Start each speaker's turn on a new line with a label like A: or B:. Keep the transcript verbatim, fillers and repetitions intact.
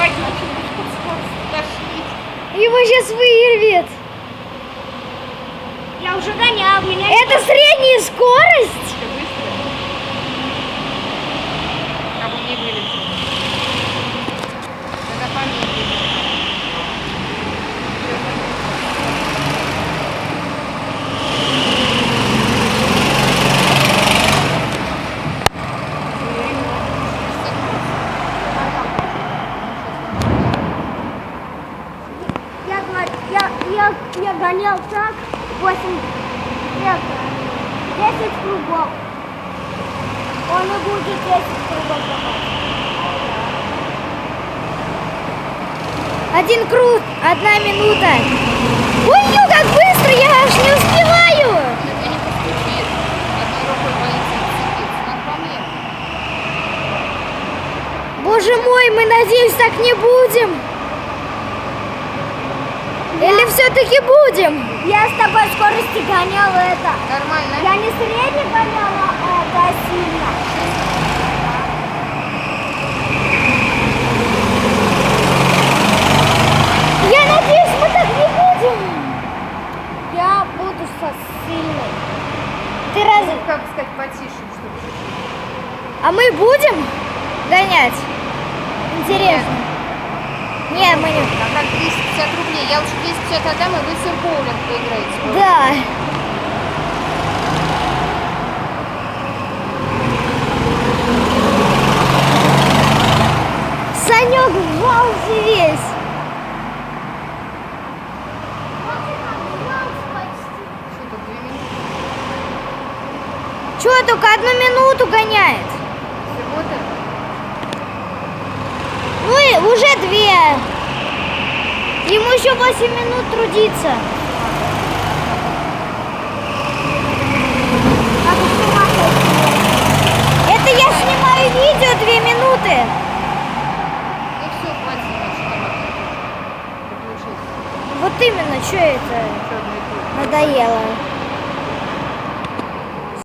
A: опять начнешь тошнить.
B: Его сейчас вырвет.
A: Я уже гонял, меня...
B: Это средняя скорость?
C: Ты быстро? Как он не вылетел. Надо помедленнее.
A: Я, говорю, я, я, я гонял так восемь, это, десять кругов. Он и будет десять кругов давать.
B: Один круг, одна минута. Ой, ё, как быстро, я аж не успеваю.
C: Это не постучит. Одной рукой боится отцепиться. Надо помедленнее.
B: Боже мой, мы, надеюсь, так не будем. Или все-таки будем?
A: Я с тобой скорости гонял это.
C: Нормально?
A: Я не средне гоняла, а это сильно.
B: Я надеюсь, мы так не будем.
A: Я буду со сильной.
B: Ты раз...
C: Ну, как сказать, потише, чтобы чуть-чуть.
B: А мы будем гонять? Интересно. Нет, мы не...
C: А как двести пятьдесят рублей? Я лучше двести пятьдесят отдам, и вы все в боулинг поиграете.
B: Да. Санек вжался весь.
C: Что тут, две минуты?
B: Че, только одну минуту гоняет?
C: Всего-то?
B: Ну и уже две. Ему еще восемь минут трудиться. Это я снимаю видео две минуты.
C: Ну все, хватит снимать, что там. Приключись.
B: Вот именно, что это
C: Еще одно и то же.
B: надоело.